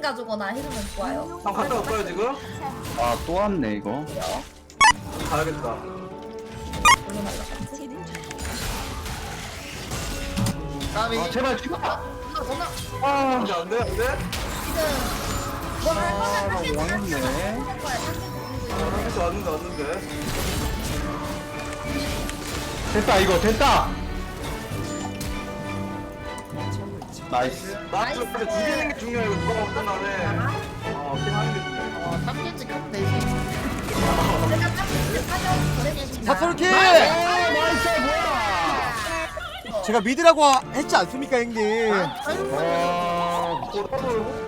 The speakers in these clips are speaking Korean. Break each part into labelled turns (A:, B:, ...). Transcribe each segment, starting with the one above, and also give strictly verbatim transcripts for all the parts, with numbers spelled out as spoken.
A: 가지거나 해주면 좋아요.
B: 형 갔다 올까요 지금?
C: 아 또 왔네 이거.
B: 가야겠다.
D: 까비.
C: 아 제발 죽어.
A: 나 전화
C: 아
B: 안돼 안돼 안돼.
A: 지금 뭘할
C: 아,
A: 거면
C: 나
A: 타겟
C: 왕했네.
A: 할 거야. 타겟
B: 어, 왔는데 왔는데.
C: 됐다 이거 됐다. 나이스.
B: 나이스. 근데 죽이는 게 중요해. 이거 누가 먹든 간에. 어 킹하는 게 중요해.
D: 어, 삼 겐지 가면 되지.
A: 제가 타겟 타겟 보내겠습니다.
E: 사솔킬!
C: 아 나이스 뭐야.
E: 제가 미드라고 했지 않습니까 형님?
C: 와.
B: 또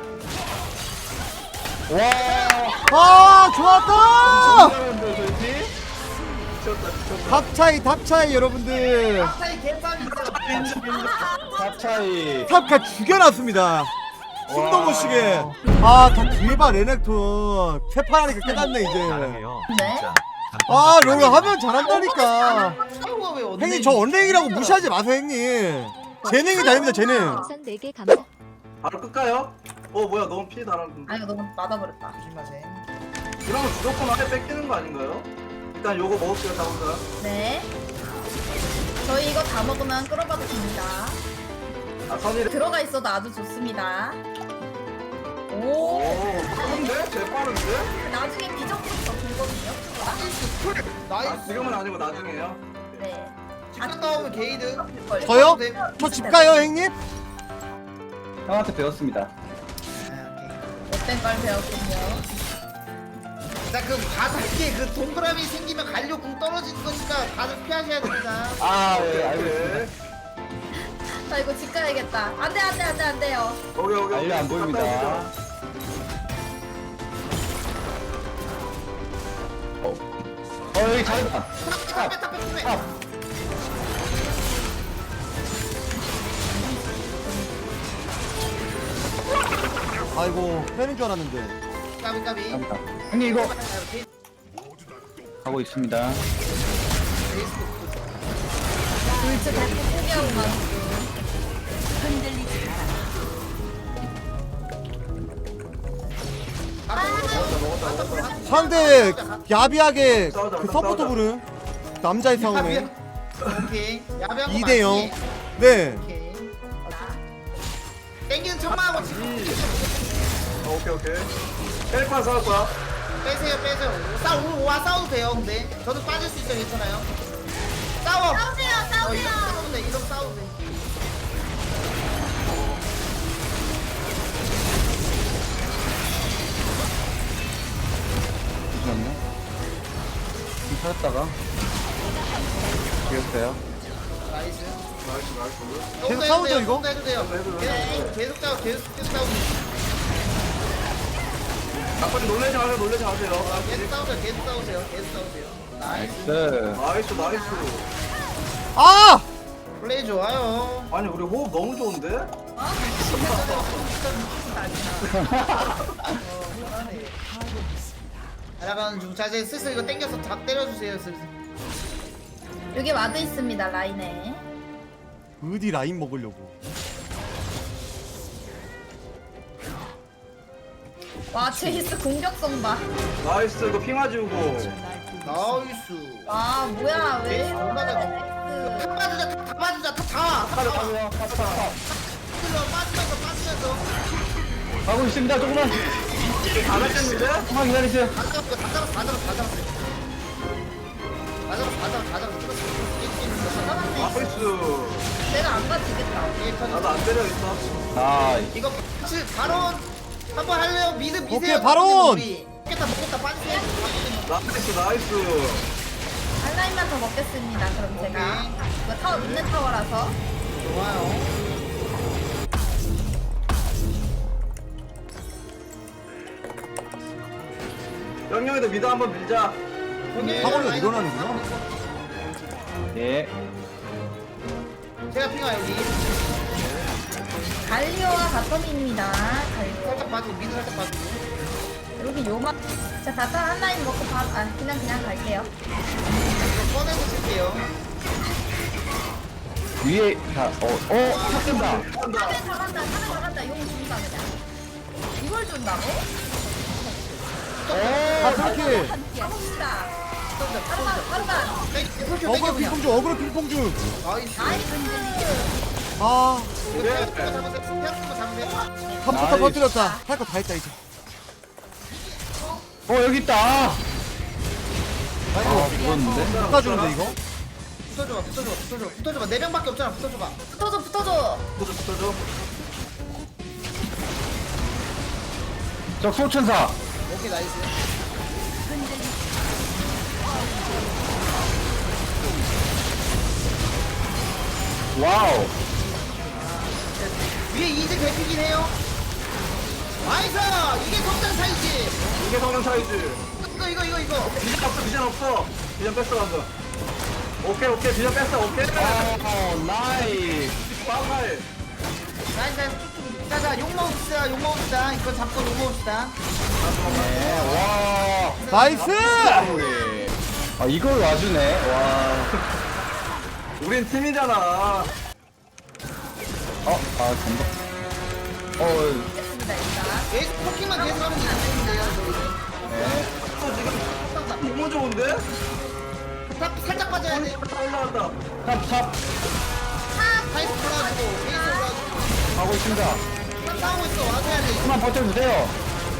C: 와.
E: 아 좋았다!
B: 잘하는데 저희 팀. 미쳤다 미쳤다.
E: 탑 차이 탑 차이 여러분들
D: 차이 개싸움이죠.
C: 탑 차이.
E: 탑가 죽여놨습니다. 숨도 못 쉬게. 아다 뒤에봐 레넥톤 세판 하니까 깨닫네 이제.
A: 네.
E: 아 롤 하면 잘한다니까.
D: 사우가 왜 언제?
E: 형님 저 언랭이라고 무시하지 마세요 형님. 재능이 다릅니다 재능.
F: 우선 네 개 감사.
B: 바로 끌까요? 어 뭐야 너무 피 달았는데.
A: 아 이거 너무 맞아버렸다.
D: 조심하세요.
B: 이러면 무조건 아래 뺏기는 거 아닌가요? 일단 요거 먹을게요 다 혼자.
A: 네. 저희 이거 다 먹으면 끌어봐도 됩니다.
B: 아 선이를.
A: 들어가 있어도 아주 좋습니다.
B: 오
A: 오.
B: 빠른데? 제 빠른데?
A: 나중에 비정품 더 들거든요.
B: 아
D: 나이스.
B: 지금은 아니고 나중에요.
A: 네.
D: 집중 나오면 게이드.
E: 저요? 저 집 가요 형님?
C: 형한테 배웠습니다.
A: 못된 걸 배웠군요.
D: 자 그럼 가볍게 그 동그라미 생기면 갈려 궁 떨어지는 거니까 다들 피하셔야 됩니다.
C: 아
B: 오케이
C: 네,
B: 오케이.
C: 알겠습니다.
A: 자 이거 집 가야겠다. 안돼 안돼 안돼 안돼요.
B: 오케이 오케이.
C: 알려 안 보입니다. 어, 어 여기 잘했다.
D: 탑에 탑에 탑에.
C: 아.
E: 아이고 빼는 줄 알았는데.
D: 까비 까비.
C: 감사합니다. 형님 이거 가고 있습니다.
A: 불츠 대포 포기하고 가는
E: 상대 야비하게 그 서포터 부른 남자의 싸움에
D: 오케이. 야비한 거
E: 이 대 영.
D: 맞지?
E: 네.
D: 오케이. 땡기는 척만 하고 지금
B: 어, 오케이 오케이. 헬파 싸울 거야.
D: 빼세요 빼세요. 싸우 와 싸워도 돼요. 근데 저도 빠질 수 있어요. 괜찮아요. 싸워.
A: 싸우세요
D: 어,
A: 싸우세요.
D: 이러면 싸우면 돼. 이러면 싸우면 돼.
C: 잠시만요. 좀 찾았다가 죽였어요.
D: 나이스.
B: 나이스 나이스.
E: 계속
D: 해도
E: 싸우죠,
D: 돼요,
E: 이거?
D: 해도 돼요.
B: 해도 돼요.
D: 계속 계속 싸우 계속 계속 싸우.
B: 아빠님 놀래지 마세요 놀래지 마세요.
D: 계속 싸우세요. 계속 싸우세요. 계속 싸우세요. 나이스.
C: 나이스.
B: 나이스 나이스.
E: 아!
D: 플레이 좋아요.
B: 아니 우리 호흡 너무 좋은데?
D: 날아가는 중. 자 이제 슬슬 이거 땡겨서 다 때려주세요. 슬슬.
A: 여기 와드 있습니다 라인에.
E: 어디 라인 먹으려고.
A: 와 제이스 공격성 봐.
B: 나이스 이거 핑화 지우고.
D: 나이스.
A: 와 뭐야 왜?
D: 제이스 얼마나
A: 제이스.
D: 다 빠지자. 다 빠지자. 다 다. 다
B: 가려
D: 다.
B: 가려 가려.
D: 빠지면서 빠지면서 빠지면서.
C: 가고 있습니다. 조금만.
B: 안 하셨는데?
C: 조금만 기다리세요.
D: 다 잡았어. 다 잡았어. 다 잡았어. 다 잡았어. 다 잡았어. 다 잡았어. 다 잡았어.
B: 나이스.
A: 내가 안 가지겠다.
B: 나도 안 때려 있어.
C: 아
D: 이거 사실 바론 한번 할래요? 미드 미세요.
E: 오케이, 바론!
D: 먹겠다 먹겠다 빠지세요.
B: 나이스 나이스.
A: 한 라인만 더 먹겠습니다. 그럼 제가 이거 타워 있는 타워라서.
D: 좋아요.
B: 영영이도 미드 한번 밀자.
E: 사거리가 늘어나는구나.
C: 예.
D: 제가 핑하 여기
A: 갈리오와 바텀입니다. 갈리오.
D: 살짝 빠지고 미드 살짝 빠지고.
A: 여기 요마. 자 바텀 한 라인 먹고 바, 아 그냥 그냥 갈게요.
D: 이거 꺼내서 쓸게요.
C: 위에 다 어, 어, 탔습니다.
A: 하늘 잘한다. 하늘 잘한다. 용 준다 그냥. 이걸 이걸 준다고?
E: 아 그렇게
A: 가봅시다. 빠르만 빠르만.
E: 어그로 핑퐁 중 어그로 핑퐁 중.
D: 나이스.
E: 아
D: 이거 태양도 잡으세요. 태양도 잡으세요.
E: 한 포탑
C: 나이스.
E: 터뜨렸다. 할 거 다 했다 이제.
C: 어 여기 있다. 아
E: 아이고
C: 죽었는데.
E: 깎아주는데 이거?
D: 붙어줘봐, 붙어줘봐, 붙어줘봐, 붙어줘봐. 네 명밖에 없잖아. 붙어줘봐.
A: 붙어줘 붙어줘.
B: 붙어줘 붙어줘.
C: 저 소천사.
D: 오케이 나이스.
C: 와우.
D: 위에 이즈 개피긴 해요. 나이스. 이게 성장 사이즈.
B: 이게 성능 차이지.
D: 이거 이거 이거 이거.
B: 비전 없어 비전 없어. 비전 뺐어 방금. 오케이 오케이 비전 뺐어 오케이.
C: 어 나이스.
B: 빵할.
D: 나이스 나이스. 자자 욕 먹읍시다. 욕 먹읍시다. 이거 잡고 욕 먹읍시다.
C: 네, 와.
E: 나이스!
C: 아 이걸 와주네. 와.
B: 우린 팀이잖아.
C: 어, 아 전복. 어,
A: 됐습니다 일단.
D: 에이스 포킹만 계속 하면 되는데요.
C: 네.
B: 또 지금 너무 좋은데?
D: 탑 살짝 빠져야 돼.
B: 다 올라간다.
C: 탑, 탑
D: 파이스 올라가지고 에이스 올라가지고
C: 하고 있습니다.
D: 탑 싸우고 있어. 와줘야 돼.
C: 조금만 버텨주세요.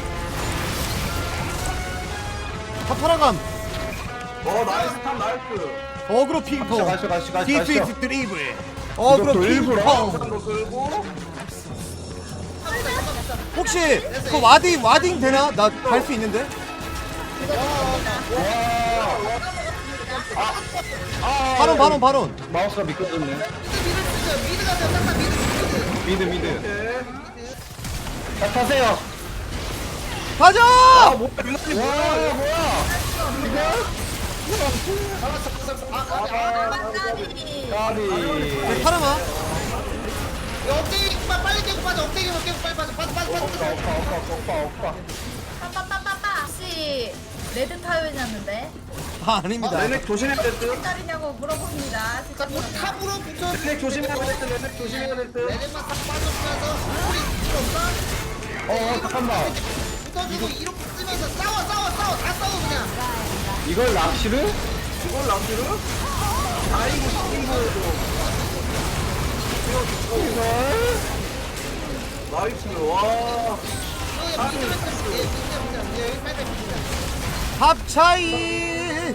E: 탑 살아감.
B: 어 나이스 탑 나이스.
E: 어그로 핑퐁.
C: 가시죠, 가시죠, 가시죠,
E: 디피트
C: 가시죠.
E: 드리블. 어그로
C: 이것도 일부러?
E: 핑퐁.
B: 한거 끌고.
E: 혹시 그 와딩 와딩 되나? 나 갈 수 있는데?
C: 아,
E: 바론 바론 바론.
C: 마우스가 미끄러졌네.
D: 미드 쓰죠. 미드 가세요. 싹다 미드 미드.
C: 미드, 미드.
B: 오케이.
C: 자, 타세요.
E: 가자!
B: 아 뭐야 유나님
C: 와,
B: 뭐야?
C: 뭐야?
D: 잡았어. 잡았어. 아, 아, 아.
A: 까비.
C: 까비.
E: 네, 파르마.
D: 업데이 빨리 빨리 깨고 빠져. 업데이 깨고 깨고 빨리 빠져. 빠져 빠져
C: 오빠,
D: 빠져.
C: 오빠, 오빠, 오빠, 오빠.
A: 빠빠빠빠빠. 혹시 레드 타요였는데
E: 아 아닙니다.
B: 레넥 조심해야 될 듯.
A: 몇 달이냐고 물어봅니다. 진짜
D: 자, 뭐
A: 물어봐요.
D: 탑으로 붙여.
B: 레넥 조심해야 될 듯. 레넥 조심해야 될 듯.
D: 레벨만 딱 빠져주면서 우리 필요 없어.
C: 어, 어, 잠깐만.
D: 붙어주고 이렇게 쓰면서 싸워 싸워 싸워 다 싸워 그냥.
C: 이걸 낚시를?
B: 이걸 남기를? 다이고 시킨 거에도. 나이스 와.
D: 이거 그냥 미드만 쓰면 돼. 미드만 쓰면 돼. 여기 빨리 미드만.
E: 합 차이.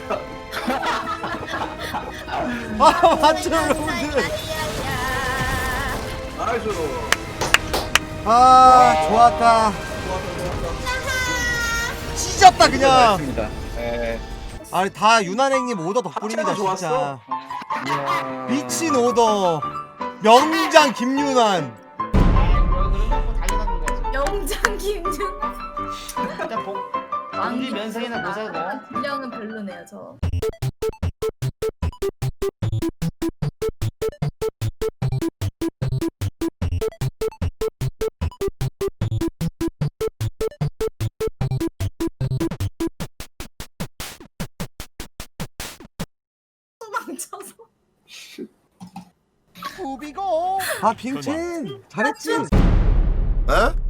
E: 아 맞죠 여러분들.
A: 야야야.
B: 나이스.
E: 아 좋았다. 찢었다 그냥.
C: 맞습니다. 예.
E: 아니 다 유난행님 오더 덕분입니다
B: 합체가
E: 진짜.
B: 좋았어?
C: 이야.
E: 미친 오더. 명장 김유난.
A: 영장 김준.
D: 일단 복 왕기 면상이나 보자고.
A: 분량은 별로네요 저. 망쳐서.
E: 우비고. 아 빙첸 잘했지.
F: 에?